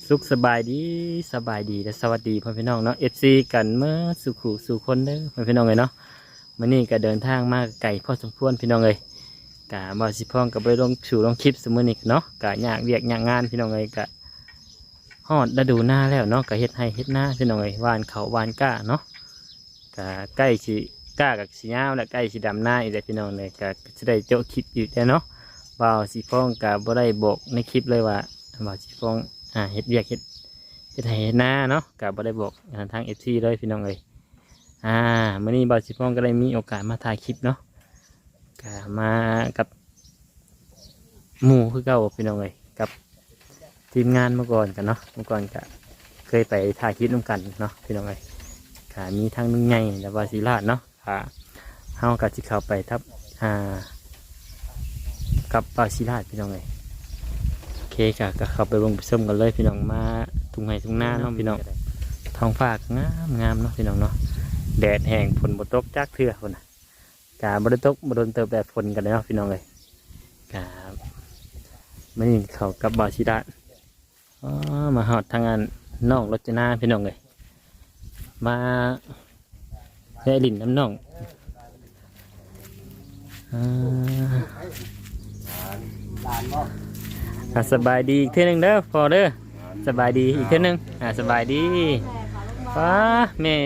สุขสบายดีและสวัสดีพ่อพี่น้องเนาะFCกันเมื่อสู่คนเด้อพ่อพี่น้องเลยเนาะมื้อนี้ก็เดินทางมาไกลพอสมควรพี่น้องเลยกะบ่สิพ้องกับไปลงคลิปมื้อนี้เนาะกะยากเวียกยากงานพี่น้องเลยกะฮอดฤดูหน้าแล้วเนาะกะเฮ็ดให้เฮ็ดหน้าพี่น้องเลยหว่านเขาหว่านก้าเนาะกะใกล้สิก้ากับสิยาวและใกล้สิดำหน้าอีกแล้วพี่น้องเลยกะสิได้โจคลิปอีกแล้วเนาะบ่าวสิพ้องกะบ่ได้บอกในคลิปเลยว่าบ่าวสิพ้องเฮ็ดเวียกเฮ็ดให้หน้าเนาะกับบได้บอกทางFCเลยพี่น้องเลยมื้อนี้บ่าวสิพ้องก็ได้มีโอกาสมาถ่ายคลิปเนาะก็มากับหมู่คือเก่าพี่น้องเลยกับทีมงานเมื่อก่อนกันเนาะเมื่อก่อนก็เคยไปถ่ายคลิปร่วมกันเนาะพี่น้องเลยก็มีทั้งนุ่งไงและวาศิลาเนาะเฮากับสิเข้าไปทับกับวาศิลาพี่น้องเลยโอเคก็เข้าไปเบิ่งไปชมกันเลยพี่น้องมาทุ่งไห่ทุ่งนาเนาะพี่น้องท้องฟ้างามเนาะพี่น้องเนาะแดดแห้งฝนบ่ตกจักเทื่อคนน่ะกาบ่ได้ตกบ่โดนเติบแต่ฝนกันเลยเนาะพี่น้องเลยกาไม่นี่เขากับบาชิดะมาหอดทางงานน้องรจนาพี่น้องเลยมาแย่ลินน้ำน้องสบายดีอีกเท่านึงเด้อพอเด้อสบายดีอีกเท่านึงสบายดีฟ้าแม่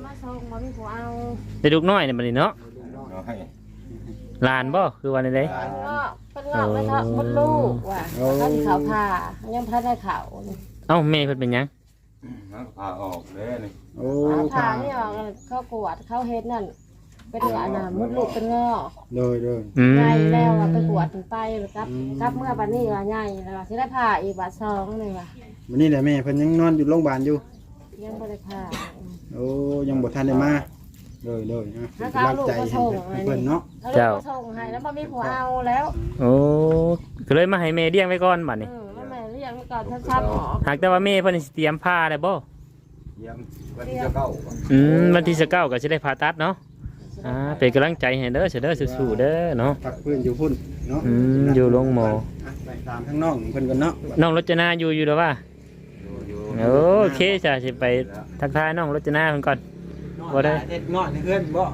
ได้ลูกน้อยเนี่ยมันนี่เนาะลานบ่คือวันไหนเป็นหลอกไม่ทับมดลูกว่ะเขาที่เขาผ่ายังพัดได้เขาเอ้าแม่เพิ่นเป็นยังผ่าออกเลยนี่ผ่านี่เขากวดเขาเฮ็ดนั่นเป็นอันน่ะมดลูกเป็นงอเลยใหญ่แล้วไปกวดถึงไปกับเมื่อวันนี้ว่าใหญ่แล้วที่ได้ผ่าอีกบาทสองเลยว่ะวันนี้แหละแม่เพิ่นยังนอนอยู่โรงพยาบาลอยู่ยังบ่ได้ผ่าโอ้ยังบ่ทันได้มาเลยนะรักใจให้เพิ่นเนาะเจ้าส่งให้แล้วบ่มีผัวเอาแล้วโอ้ก็เลยมาให้แม่เลี้ยงไว้ก่อนบัดนี้แม่เลี้ยงไว้ก่อนช้ำๆหมอหากแต่ว่าแม่เพิ่นสิเตรียมผ้าได้บ่วันที่9 วันที่9ก็สิได้ผ่าตัดเนาะเป็นกำลังใจให้เด้อเด้อสู้ๆเด้อเนาะพักเพิ่นอยู่พุ่นเนาะอยู่โรงหมอไปตามทั้งน้องเพิ่นกันเนาะน้องรจนาอยู่หรือว่าโอเคจ้ะสิไปทักทายน้องรจนาเพิ่นก่อนบ่ได้เฮ็ดเงาะในเอื้อนบ่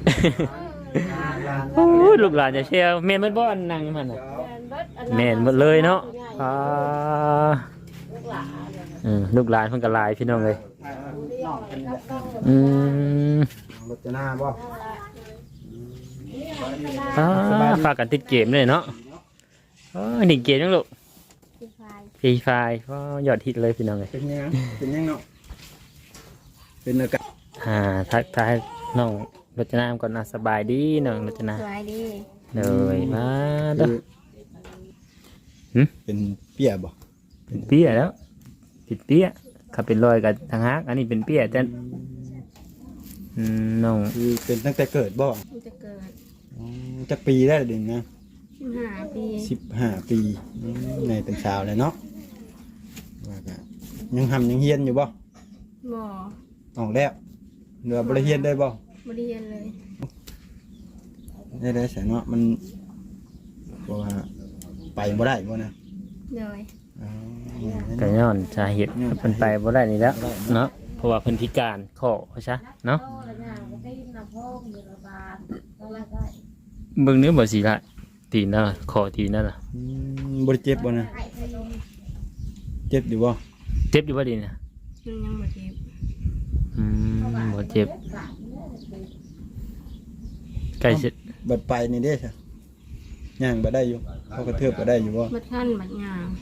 โอ้ลูกหลานจะเชียวแม่นบ่อันนั่งมันน่ะแม่นหมดเลยเนาะลูกหลานเพิ่นก็หลายพี่น้องเอ้ยรจนาบ่ฝากกันติดเกมเลยเนาะนี่เกมยังลูกฟรีไฟก็ยอดฮิตเลยพี่น้องเลยเป็นยังเนาะเป็นอากาศทักทายน้องรจนาก่อนนะสบายดีน้องรจนาสบายดีเลยมาเด้อเป็นเปียบ่เป็นเปียแล้วติดเปียขับเป็นรอยกับทางฮักอันนี้เป็นเปียแต่น้องคือเป็นตั้งแต่เกิดบ่จะเกิดจักปีได้เดือนนะ 15 ปีในเป็นสาวเลยเนาะว่าก็ยังทำยังเฮียนอยู่บ่ออกแล้วเหลือบริเฮียนได้บ่บริเฮียนเลยได้แสนเนาะมันว่าไปบ่ได้บ่นะเลยก็ย้อนสาเหตุเพิ่นไปบ่ได้นี่แล้วเนาะเพราะว่าเพิ่นพิการข้อใช่เนาะเบิ่งเนื้อบ่สิละตีนน่ะคอตีนนั่นน่ะบ่ได้เจ็บบ่นะเจ็บอยู่บ่เจ็บอยู่บ่ดีน่ะยังบ่เจ็บบ่เจ็บใกล้สิบัดไปนี่เด้ซะย่างบ่ได้อยู่เขากระเทือบบ่ได้อยู่บ่บัดคั่นบัดย่าง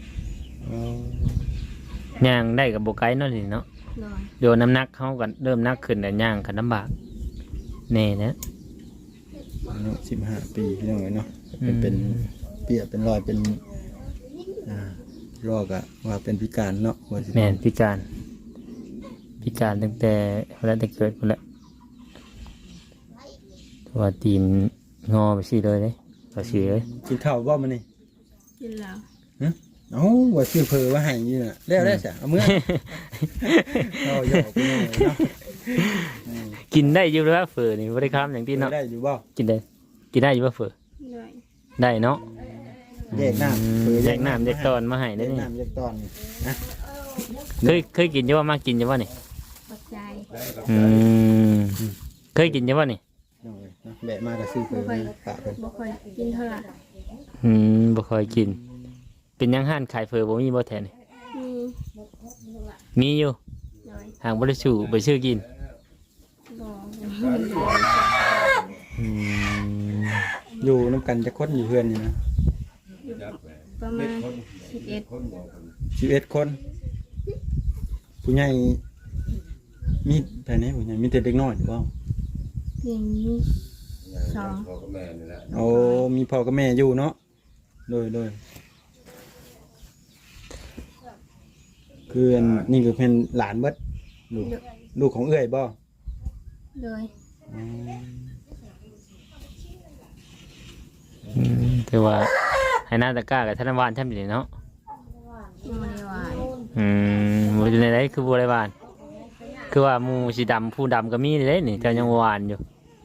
ย่างได้กับบ่ไกลเนาะนี่เนาะโดนน้ำหนักเฮาก็เริ่มหนักขึ้นแล้วย่างก็ลำบากแน่นะ 15 ปีพี่น้องเนาะเป็นเปียเป็นรอยเป็นรอกอะว่าเป็นพิการเนาะแม่นพิการตั้งแต่เกิดพุ่นแหละว่าตีนงอไปสิเลยก็สิเลยกินข้าวบ่มื้อนี้กินแล้วว่าชื่อเพอว่าให้อยู่น่ะแล้วได้ซะเอามื้อเอาหยอกพี่น้องเนาะกินได้อยู่แล้วเฟอนี่บ่ได้ค้ำอย่างที่เนาะได้อยู่บ่กินได้อยู่บ่เฟอได้เนาะแยกน้ำแยกน้ำแยกตอนมาให้ได้นี่น้ำแยกตอนนะเคยกินอยู่ว่ามากินอยู่ว่านี่ปัจจัยอืมเคยกินอยู่ว่านี่น้องเอ้ยเนาะแบะมาก็ซื้อเพิ่นฝากเพิ่นบ่ค่อยกินเท่าไหร่บ่ค่อยกิน เป็นหยังห้านขายเฟอบ่มีบ่แทนนี่มีมีอยู่โดยหางบ่ได้สู่ไปซื้อกินบ่อืมอยู่นํกันจะคนอยู่เฮือนนี่นะประมาณ11 11คนผู้ใหญ่มีภายในผู้ใหญ่มีแต่เด็กน้อยหรือเปล่าเพียงนี้สองโอ้มีพ่อกับแม่อยู่เนาะโดยคืออันนี่คือเป็นหลานเบิดลูกของเอื้อยบ่โดยถือว่าให้หน้าตะกร้ากับธนวานแทบอยู่เนาะบ่ได้หวานบ่อยู่ในไหนคือบ่ได้หวาน คือว่าหมูสีดำผู้ดำก็มีเลยนี่เจ้ายังหวานอยู่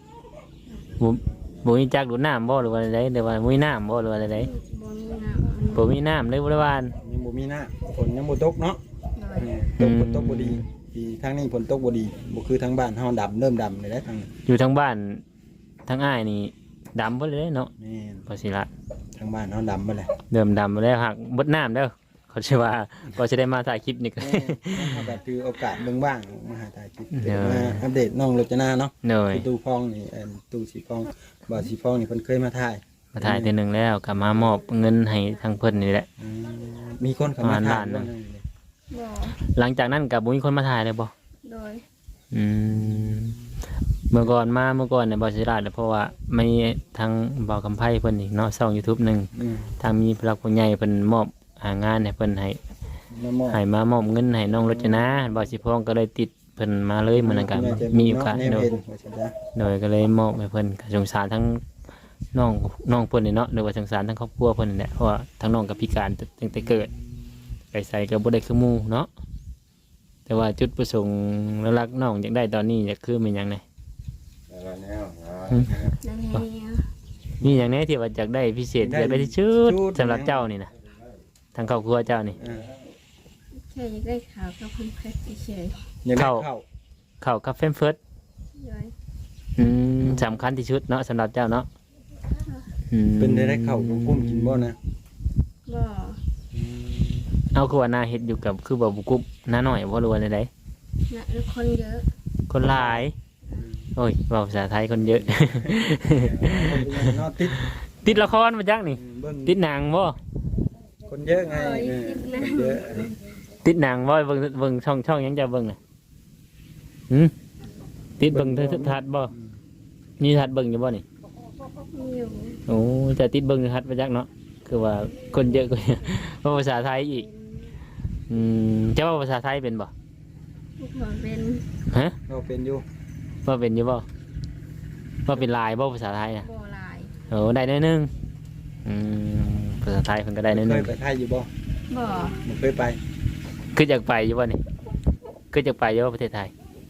บ่มีจักดูดน้ำบ่หรือว่าอะไรหรือว่าบ่มีน้ำบ่หรือว่าอะไรบ่มีน้ำบ่มีน้ำเลยบ่ได้หวานยังบ่มีหน้าฝนยังบ่ตกเนาะโดยตกบ่ดีที่ทางนี้ฝนตกบ่ดีบ่คือทางบ้านเฮาดำเริ่มดำเลยได้ทางนี้อยู่ทั้งบ้านทั้งอ้ายนี่ดำเบิดเลยเนาะแม่นพอสิละทางบ้านเฮาดำบ่แหละเดิมดำไปแล้วหักเบิดน้ำเด้อเขาชื่อว่าก็จะได้มาถ่ายคลิปนี่ก็แม่นเฮาก็ถือโอกาสเบิ่งบ้างมาหาถ่ายคลิปเดี๋ยวมาอัปเดตน้องรจนาเนาะเหนื่อยตู้พองนี่ตู้สีพองบ่าวสีพองนี่เพิ่นเคยมาถ่ายมาถ่ายทีหนึ่งแล้วกลับมามอบเงินให้ทางเพิ่นนี่แหละมีคนเข้ามาถ่ายล้านหนึ่งบ่หลังจากนั้นกับบุญคนมาถ่ายเลยบ่โดยอืมเมื่อก่อนเนี่ยบอสิราชเพราะว่าไม่ทางบ่าวคำไพ่เพิ่นอีกเนาะช่อง YouTube หนึงอืมทางมีพลักผู้ใหญ่เพิ่นมอบหางานให้เพิ่นให้มามอบให้มามอบเงินให้น้องรจนาบ่าวสิพองก็เลยติดเพิ่นมาเลยมื้อนั้นก็มีโอกาสแนวโดยเห็นว่าซั่นจ้ะโดยก็เลยมอบให้เพิ่นก็สงสารทั้งน้องเพิ่นนี่เนาะหรือว่าสงสารทั้งครอบครัวเพิ่นนี่แหละเพราะว่าทั้งน้องก็พิการตั้งแต่เกิดไปใส่ก็บ่ได้คือหมู่เนาะแต่ว่าจุดประสงค์หลักๆน้องอยากได้ตอนนี้อยากคือเป็นหยังไงนั่นเองมีอย่างแนี้ที่ว่าอยากได้พิเศษอยากได้ที่ชุดสำหรับเจ้านี่นะทางครอบครัวเจ้านี่อ่าแค่อยากได้ข่าวกับคำเพชรเฉยอยากได้เข้าเข้าเข้ากับเฟมเฟิร์สๆโดยสำคัญที่ชุดเนาะสำหรับเจ้าเนาะอืมเป็นได้เข้ากับกุ้มกินบ่นะบ่เอาคือว่านาเฮ็ดอยู่กับคือบ่บุกุบน้าหน่อยบ่รู้ว่าไดนะคนเยอะคนหลาย โอ้ยเว้าภาษาไทยคนเยอะเนาะติดติดละครมาจักนี่เบิ่งติดหนังบ่คนเยอะไงคนเยอะติดหนังบ่เบิ่งช่องหยังจะเบิ่งน่ะหืมติดเบิ่งโทรทัศน์บ่มีโทรทัศน์เบิ่งอยู่บ่นี่มีอยู่โอ้จะติดเบิ่งโทรทัศน์มาจักเนาะคือว่าคนเยอะกว่า เพราะภาษาไทยอีกจะว่าภาษาไทยเป็นบ่ทุกคนเป็นฮะเราเป็นอยู่ว่าเป็นอยู่บ่ว่าเป็นลายบ่ภาษาไทยน่ะบ่หลายโอ้ได้หน้อยหนึงภาษาไทยเพิ่นก็ได้หน้อยหเคนึยงไปไทยอยู่บ่บ่บ่เคยไปคืออยากไปอยู่บ่นี่คืออยากไปอยู่บ่ประเทศไทย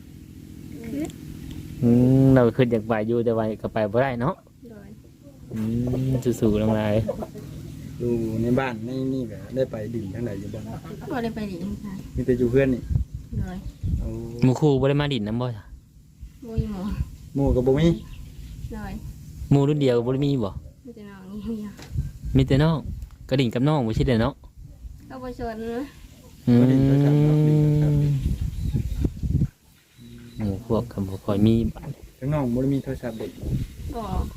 เราคืออยากไปอยู่แต่ว่าก็ไปบ่ได้เนาะโดยสู้ๆลงมาอยู่ในบ้านนี่ก็ได้ไปดิ่งทางไหนอยู่บ่บ่ได้ไปหลีกทางมีแต่อยู่เพื่อนนี่โดยเอาหมู่ครูบ่ได้มาดินน้ำบ่จ้ะบ่มีหมอหมู่ก็บ่มีโดยหมู่รุ่นเดียวก็บ่ได้มีบ่มีแต่น้องนี่เดียวมีแต่น้องก็ดิ่งกับน้องบ่ใช่เด้อเนาะก็บ่ชวนนะหมู่พวกก็บ่ค่อยมีบ้านทั้งน้องบ่ได้มีโทรศัพท์เด็กบ่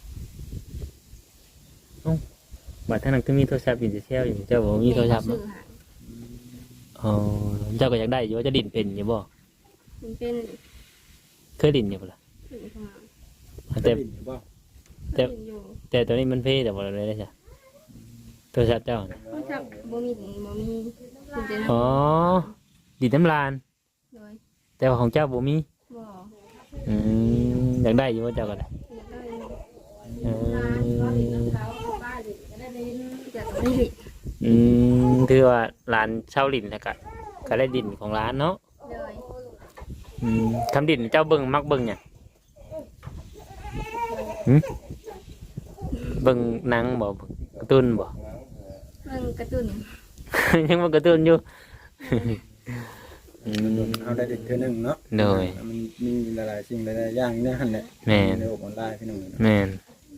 บัดท่านั้นก็มีโทรศัพท์อยู่เซลอยู่เจ้าบ่มีโทรศัพท์ซื้เนาะอหาอ๋อเจ้าก็อยากได้อยู่ว่าจะดิ่นเป็นอยู่บ่มันเป็นเคยดิ่นอยู่บ่ล่ะถึงประมาณแต่ดิ่งอยู่บ่แต่ก็อยู่แต่ตัวนี้มันเพแต่บ่เลยได้จ้ะโทรศัพท์เจ้าน่ะเพราะจับบ่มีมีแต่น้อ๋อดิ่นน้ำลานโดยแต่ว่าของเจ้าบ่มีบ่อยากได้อยู่ว่าเจ้าก็ได้อยากได้เอออยากได้หลีถือว่าร้านเช่าดิ่นแล้วก็ได้ดิ่นของร้านเนาะโดยคำดิ่นเจ้าเบิ่งมักเบิ่งหยังเบิ่งหนังบ่เบิ่งการ์ตูนบ่เรื่องการ์ตูนยังบ่การ์ตูนอยู่เอาได้เด็กเท่านึงเนาะโดยมันมีหลายๆสิ่งหลายๆอย่างเนี่ยหั่นแหละแม่นในโลกออนไลน์พี่น้องเนาะแม่น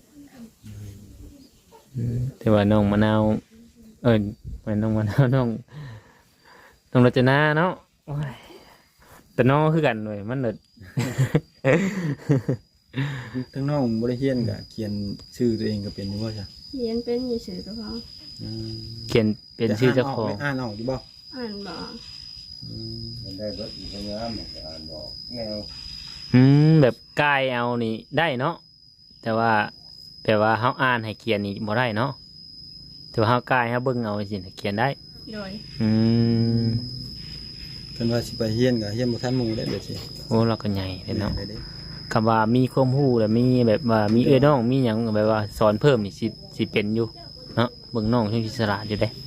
แต่ว่าน้องมะนาวแม่นน้องมะนาวน้องรจนาเนาะโอ้ยแต่น้องคือกันหน่อยมันเนิดทั้งน้องบ่ได้เรียนก็เขียนชื่อตัวเองก็เป็นอยู่บ่จ้ะเรียนเป็นอยู่สื่อตัวเขาอืมเขียนเป็นชื่อเจ้าของอ่านออกอยู่บ่อ่านบอกมันได้เบิดอีกงามมันก็อ่านบอกแนวแบบกายเอานี่ได้เนาะแต่ว่าเฮาอ่านให้เขียนนี่บ่ได้เนาะแต่ว่าเฮากายเฮาเบิ่งเอาสิเขียนได้โดยอืมเพิ่นว่าสิไปเรียนก็เรียนบ่ทันหมู่ได้เด้อสิโอ้เราก็ใหญ่เลยเนาะได้เด้คำว่ามีความรู้แล้วมีแบบว่ามีน้องมีหยังแบบว่าสอนเพิ่มนี่สิเป็นอยู่เนาะเบิ่งน้องเพิ่นสิฉลาดอยู่เด้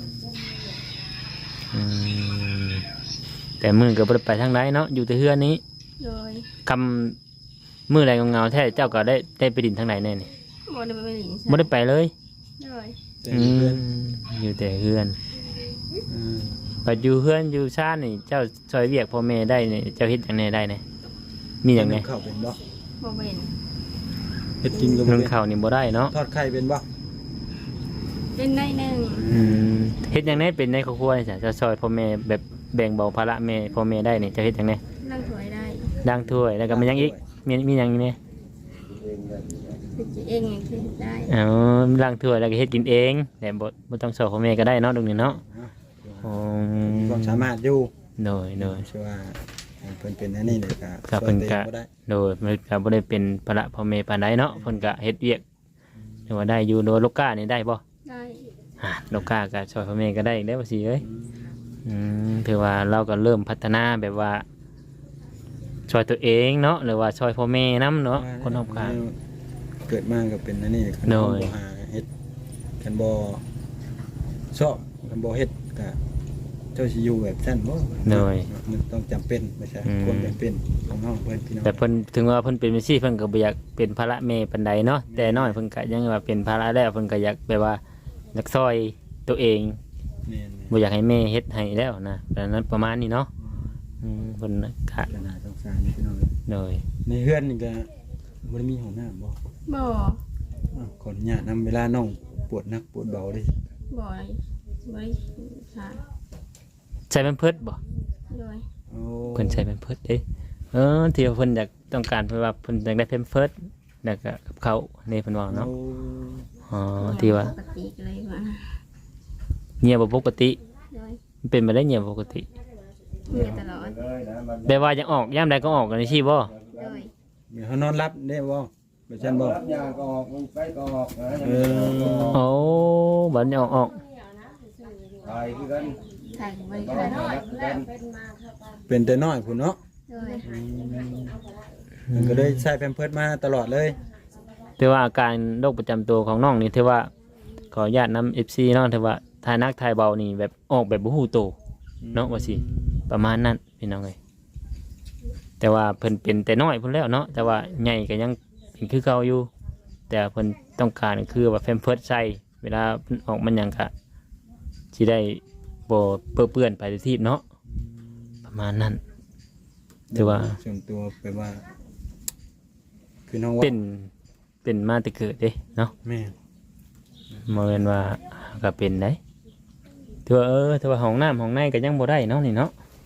อืมแต่มื้อก็บ่ได้ไปทางใดเนาะอยู่แต่เฮือนนี้โดยคำมื้อใดเงาๆแท้เจ้าก็ได้ไปดินทางไหนแน่นี่บ่ได้ไปหลิงบ่ได้ไปเลยโดยแต่อืเพื่อนมอยู่แต่เฮือนอืมปัจอยู่เฮือนอยู่ชาตินี่เจ้าช่วยเวียกพ่อแม่ได้นี่เจ้าเฮ็ดหยังไงได้นี่มีหยังไงเข้าเป็นบ่บ่เป็นเฮ็ดกินก็บ่นึ่งเป็นข้าวนี่บ่ได้เนาะทอดไข่เป็นบ่เป็นได้หนึ่งเฮ็ดหยังไงเป็นในครอบครัวนี่จ้ะเจ้าช่วยพ่อแม่แบบแบ่งเบาภาระแม่พ่อแม่ได้นี่เจ้าเฮ็ดหยังไงนั่งถวยได้ล้างถ้วยแล้วก็มีหยังอีกมีหยังอีกนี่คือจะเองอย่างที่ได้อ๋อล้างถ้วยแล้วก็เฮ็ดกินเองแต่บ่ต้องช่วยพ่อแม่ก็ได้เนาะตรงนี้เนาะอ๋อมีความสามารถอยู่โดยเชื่อว่าเพิ่นเป็นอันนี้เลยก็ก็เพิ่นก็ช่วยตัวองบ่ได้โดยมันก็บ่ได้เป็นภาระพ่อแม่ปานใดเนาะเพิ่นก็เฮ็ดเวียกหรือว่าได้อยู่โดยลูกก้านี่ได้บ่ได้ลูกก้าก็ช่วยพ่อแม่ก็ได้อีกแล้วว่าสิเอ้ยถือว่าเราก็เริ่มพัฒนาแบบว่าช่วยตัวเองเนาะหรือว่าช่วยพ่อแม่นํเนาะคนรอบข้างเกิดมาก็เป็นอันนี้คันโดบ่ยหาเฮ็ดคันบ่ชอบคันบ่เฮ็ดก็เจ้าสิอยู่แบบซั่นบ่โดยมันต้องจำเป็นไม่ใช่อืมความจำเป็นของน้องเพิ่นพี่น้องแต่เพิ่นถึงว่าเพิ่นเป็นจังซี่เพิ่นก็บ่อยากเป็นภาระแม่ปานใดเนาะแต่น้อยเพิ่นก็ยังว่าเป็นภาระแล้วเพิ่นก็อยากแบบว่าอยากช่วยตัวเองแม่นบ่อยากให้แม่เฮ็ดให้แล้วนะดังนั้นประมาณนี้เนาะเพิ่นก็ๆน่าสงสารพี่น้องโดยในเฮือนนี่ก็บ่ได้มีห้องน้ำบ่บ่อ้าวขออนุญาตนำเวลาน้องปวดหนักปวดเบาเด้บ่อยบ่ค่ะใช้แพมเพิร์สบ่โดยโอ้เพิ่นใช้แพมเพิร์สเด้ที่ว่าเพิ่นอยากต้องการเพิ่นว่าเพิ่นอยากได้แพมเพิร์สแล้วก็กับเขาวนี่เพิ่นว่าเนาะโอ้อ๋อที่ว่าปกติเลยว่าเงียบบ่ปกติโดยมันเป็นมาได้เงียบบ่ปกติมีตลอดเลยนะมันแปลว่ายังออกยามใดก็ออกกันนี่สิบ่โดยเดี๋ยวเขานอนรับได้บ่แบบซั่นบ่รับยาก็ออกมันไปก็ออกนะเออโอ้บัดนี้ออกตายคือกันถ่ายบริก็การออกรับคือกันเป็นแต่น้อยพุ่นเนาะโดยมันก็เลยใช้แพมเพิร์สมาตลอดเลยถือว่าอาการโรคประจำตัวของน้องนี่ถือว่าขออนุญาตนำ FC เนาะถือว่าทายนักทายเบานี่แบบออกแบบบ่ฮู้โตวเนาะว่าสิประมาณนั้นพี่น้องเอ้ยแต่ว่าเพิ่นเป็นแต่น้อยพุ่นแล้วเนาะแต่ว่าใหญ่ก็ยังเป็นคือเก่าอยู่ แต่เพิ่นต้องการคือว่าแพมเพิร์สใส่เวลาเพิ่นออกมันหยังก็สิได้บ่เปื้อนไปที่เนาะประมาณนั้นถือว่าส่วนตัวแปลว่า คือน้องว่าเป็นมาแต่เกิดเด้เนาะแม่เมื่อนว่าก็เป็นได้ถือว่าถือว่าห้องน้ำห้องในก็ยังบ่ได้เนาะนี่เนาะ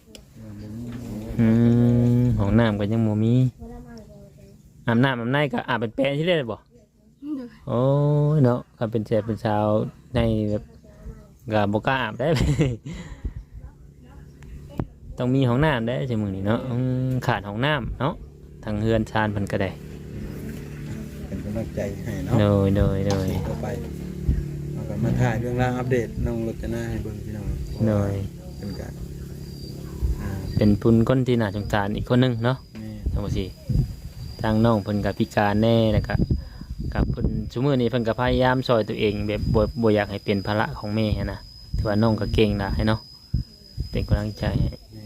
ห้องน้ำก็ยังบ่มีอาบน้ำอาบในก็อาบเป็นแปลงที่ได้บ่โดยโอ้ยเนาะก็เป็นแซ่เป็นสาวในแบบก็บ่กล้าอาบได้ ต้องมีห้องน้ำได้จังมื้อนี้เนาะขาดห้องน้ำเนาะทางเฮือนชานเพิ่นก็ได้เป็นกำลังใจให้เนาะโดยต่อไปเอากันมาถ่ายเรื่องราวอัปเดตน้องรจนาให้เบิ่งพี่น้องโดยเป็นการอ่าเป็นพุ่นคนที่น่าสงสารอีกคนหนึงเนาะแม่ทั้งหมดสิทางน้องเพิ่นก็พิการแน่แล้วก็กับเพิ่นซุมื้อนี้เพิ่นก็พยายามช่วยตัวเองแบบบ่อยากให้เป็นภาระของแม่หั้นนะถือว่าน้องก็เก่งนะให้เนาะเป็นกำลังใจให้แม่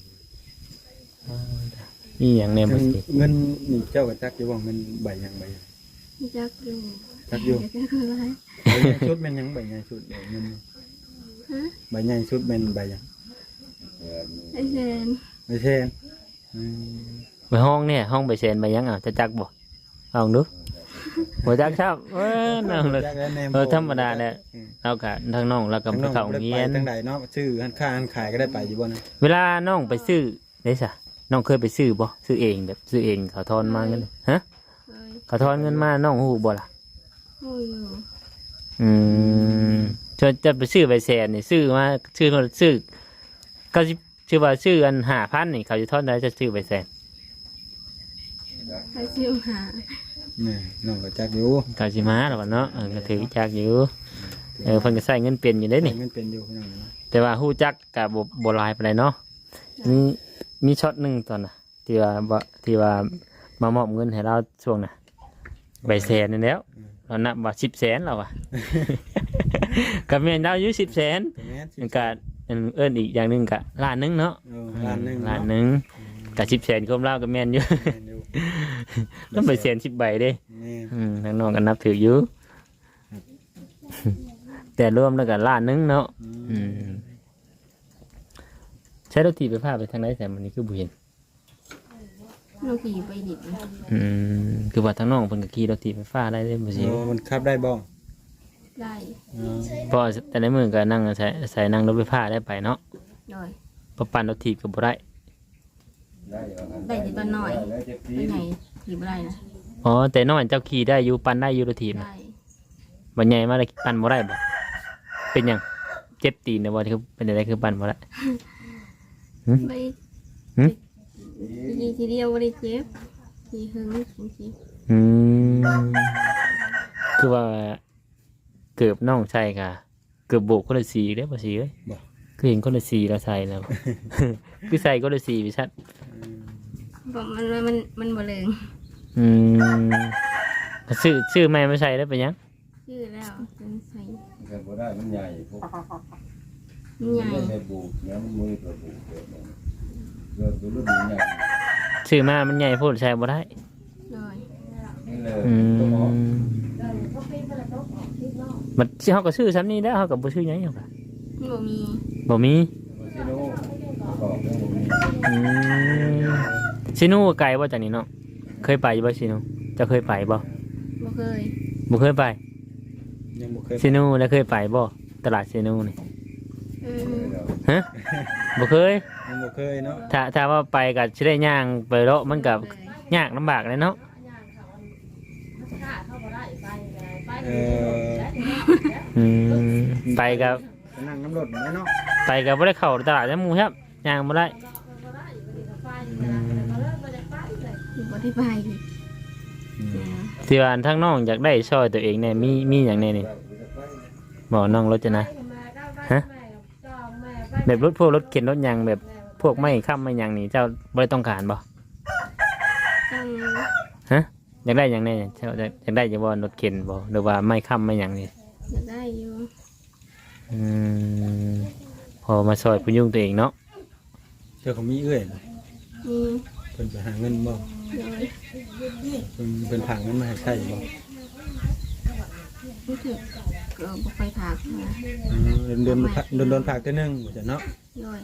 นี่อย่างแน่บ่สิเงินนี่เจ้าก็จักอยู่ว่าเงินใบหยังใบหยังมีจักอยู่จักอยู่เดี๋ยวจะคืออะไรใบใหญ่ชุดแม่นหยังใบใหญ่ชุดเงินนี่ฮะใบใหญ่ชุดแม่นใบหยังเออไอเซนไม่เช่นไปห้องเนี่ยห้องไปเซนไปยังจะจักบ่ลองดูบ่จักครับน้องเลยธรรมดาเนี่ยเราก็ทางน้องเราก็ไปเข้าโรงเรียนทางใดเนาะชื่อหันค่าหันขายก็ได้ไปอยู่บ่นะเวลาน้องไปซื้อได้ซะน้องเคยไปซื้อบ่ซื้อเองแบบซื้อเองเขาทอนมาเงินฮะเลยเขาทอนเงินมาน้องฮู้บ่ล่ะหูอยู่จะไปซื้อใบแสนนี่ซื้อมาซื้อก็ชื่อว่าซื้ออัน5,000นี่เขาจะทอนได้จะซื้อใบแสนไปซิวหานี่น้องก็จักอยู่เขาสิมาแล้วเนาะก็ถือจักอยู่เพิ่นก็ใช้เงินเป็นอยู่ได้นี่มันเป็นอยู่พี่น้องเนาะแต่ว่าฮู้จักก็บ่หลายปานใดเนาะมีช็อตหนึงตอนน่ะที่ว่ามามอบเงินให้เราช่วงน่ะใบแสนนี่แล้วเรานับว่า10 แสนแล้วอ่ะ ก็แม่นเราอยู่10 แสนแม่นมันก็เอิ้นอีกอย่างหนึงก็ล้านหนึงเนาะล้านหนึงล้านหนึงก็10 แสนคมเราก็แม่นอยู่แม่นอยู่แล้วใบแสน10 ใบเด้นี่ทางน้องก็นับถืออยู่ แต่รวมแล้วก็ล้านหนึงเนาะใช้รถถีบไปพาไปทางไหนแต่มันนี้คือบุเห็นเราขี่ไปดิบคือว่าทางน้องเพิ่นก็ขี่รถถีบไฟฟ้าได้เลยบ่สิมันขับได้บ่ได้เพราะแต่ในมือก็นั่งใส่นั่งรถไฟฟ้าได้ไปเนาะโดยเพราะปั่นรถถีบก็บ่ได้ได้แต่ตอนน้อยเป็นไงขี่บ่ได้นะอ๋อแต่น้อยเจ้าขี่ได้อยู่ปั่นได้อยู่รถถีบได้น่ะบ่ใหญ่มาแล้วปั่นบ่ได้บ่เป็นหยังเจ็บตีนนะบ่ที่คือเป็นอะไรคือปั่นบ่ได้ไปหึขี่ทีเดียวบ่ได้เจ็บขี่หึงจริงคือว่าเกือบน้องใช่ค่ะเกือบโบกคนละสีได้อบ่สิเอ้ยคือเห็นคนละสีแล้วใส่แล้ว คือใส่คนละสีพี่ชัดๆบอกมันบ่เลิงชื่อแม่ไม่ใช่ได้เป็นหยังชื่อแล้วเป็นใส่ก็บ่ได้มันใหญ่พวกมันใหญ่ไม่ได้บุกเนี่ยมันมือตัวบุกเกิดมันเกิดตัวรุ่นใหญ่ชื่อมามันใหญ่โพูดใช่บ่ได้โดยนี่เลยอืตัวหมอมมันสิเฮาก็ชื่อซ้ำนี้ได้วเฮาก็บ่ชื่อหยังหรอกค่ะมันบ่มีบ่มีซิโน่บอกเรื่องบ่มีซิโนูไกลบ่จากนี้เนาะเคยไปอยู่บ่ซิโนูเจะเคยไปบ่บ่เคยบ่เคยไปยังบ่เคยซิโนูแล้วเคยไปบ่ตลาดซิโนูนี่เออฮะบ่เคยยังบ่เคยเนาะถ้าว่าไปก็สิได้ย่างไปเลาะมันก็เลยยากลำบากเลยเนาะเออไปกับไปนั่งน้ำรถแม่เนาะไปกับบ่ได้เข้าตลาดน้ำหมูครับย่างบ่ได้บ่ได้ไปที่ว่าทางน้องอยากได้ช่วยตัวเองเนี่ยมีอย่างแน่นี่บอกน้องรถจะนะฮะแบบพวกรถเข็นรถยางแบบพวกไม่ค้ำไม่ยางนี่เจ้าบ่ได้ต้องการบ่ต้องฮะอยากได้อย่างแน่เจ้าอยากได้จะบ่รถเข็นบ่หรือว่าไม่ค้ำไม่ยางนี่จะได้อยู่พอมาช่วยพยุงตัวเองเนาะเจ้าเขามีเอื้อยบ่มีเพิ่นไปหาเงินบ่โดยเพิ่นผางเงินมาให้ใช้บ่รู้สึกก็บ่ไปถากมาเดือนๆผากเทื่อนึงบ่จ้ะเนาะโดย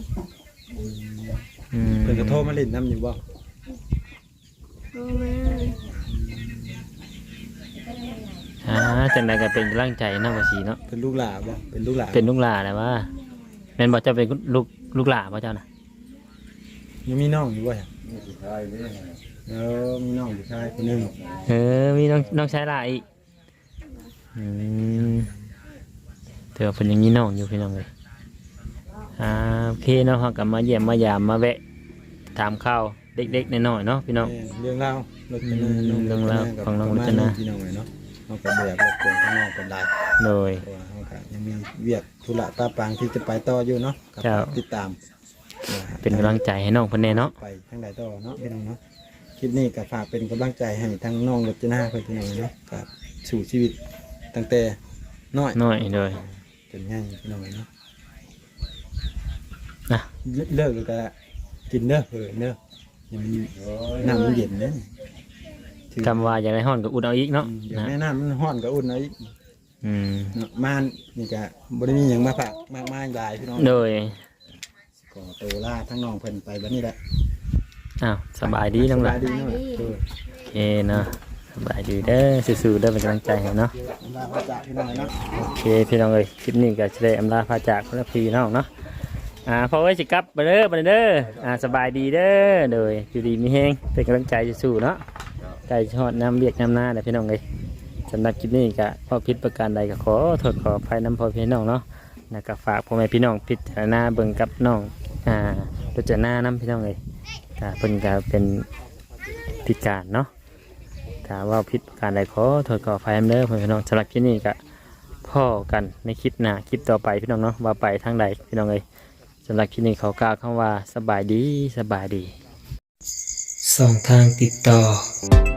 เพิ่นก็โทรมาเล่นน้ำอยู่บ่โทรมาจังใดก็เป็นกำลังใจเนาะว่าสิเนาะเป็นลูกหลานบ่เป็นลูกหลานเป็นลูกหลานแหละว่าแม่นบ่เจ้าเป็นลูกหลานบ่เจ้าน่ะยังมีน้องอยู่บ่ฮะนี่สุดท้ายนี่มีน้องอยู่ชายคนหนึงมีน้องชายหลายอีกเธอเป็นอย่างนี้น้องอยู่พี่น้องเลยโอเคเนาะเขากลับมาเยี่ยมมายามมาแวะถามข้าวเด็กๆน้อยๆเนาะพี่น้องเรื่องราวรถจนาเรื่องราวของน้องรจนาพี่น้องเลยเนาะเขาก็แบบรบกวนข้างนอกเป็นไรโดยเพราะว่าเขาก็ยังมีเวียกธุระตาปางที่จะไปต่ออยู่เนาะกับเจ้าติดตามเป็นกำลังใจให้น้องเพิ่นแน่เนาะไปทางใดต่อเนาะพี่น้องเนาะคลิปนี้ก็ฝากเป็นกำลังใจให้ทั้งน้องรจนาเพื่อนพี่น้องเนาะกับสู่ชีวิตตั้งแต่น้อยน้อยโดยจนใหญ่พี่น้องเนาะนะเลิกแล้วก็กินเด้อเด้ออย่ามันน้ำมันเย็นเด้อคำว่าอยากได้ห้อนก็อุดเอาอีกเนาะเดี๋ยวนะแม่น้ำมันห้อนก็อุ่นเอาอีกอืมเนาะม่านนี่ก็บ่ได้มีหยังมาฝากมากมายหลายพี่น้องโดยขขอตัวลาทั้งน้องเพิ่นไปบัดนี้แหละอ้าวสบายดีน้องสหบาลาย นดีเนาะโอเคเนาะสบายดีเด้อสู้ๆเด้อเป็นกำลังใจให้เนาะลาพระจากพี่น้องเนาะโอเคพี่น้องเอ้ยคลิปนี้ก็จะได้อำลาพาจากพระพี่น้องเนาะพอไว้สิกลับไปเด้อไปเด้อสบายดีเด้อโดยอยู่ดีมีแฮงเป็นกำลังใจสู้ๆเนาะใจชอดน้ำเรียกน้ำหน้าเด้อพี่น้องเอ้ยสำหรับคลิปนี้ก็พอผิดประการใดก็ขอโทษขออภัยน้ำพ่อพี่น้องเนาะแล้วก็ฝากพ่อแม่พี่น้องพิจารณาเบิ่งกับน้องพิจารณาน้ำพี่น้องเอ้ยเพิ่นก็เป็นพิการเนาะถ้าว่าผิดประการใดขอโทษขออภัยเด้อพี่น้องสำหรับคลิปนี้ก็พ่อกันในคลิปหน้าคลิปต่อไปพี่น้องเนาะว่าไปทางใดพี่น้องเอ้ยสำหรับคลิปนี้เขากล่าวคำว่าสบายดีสบายดี2 ทางติดต่อ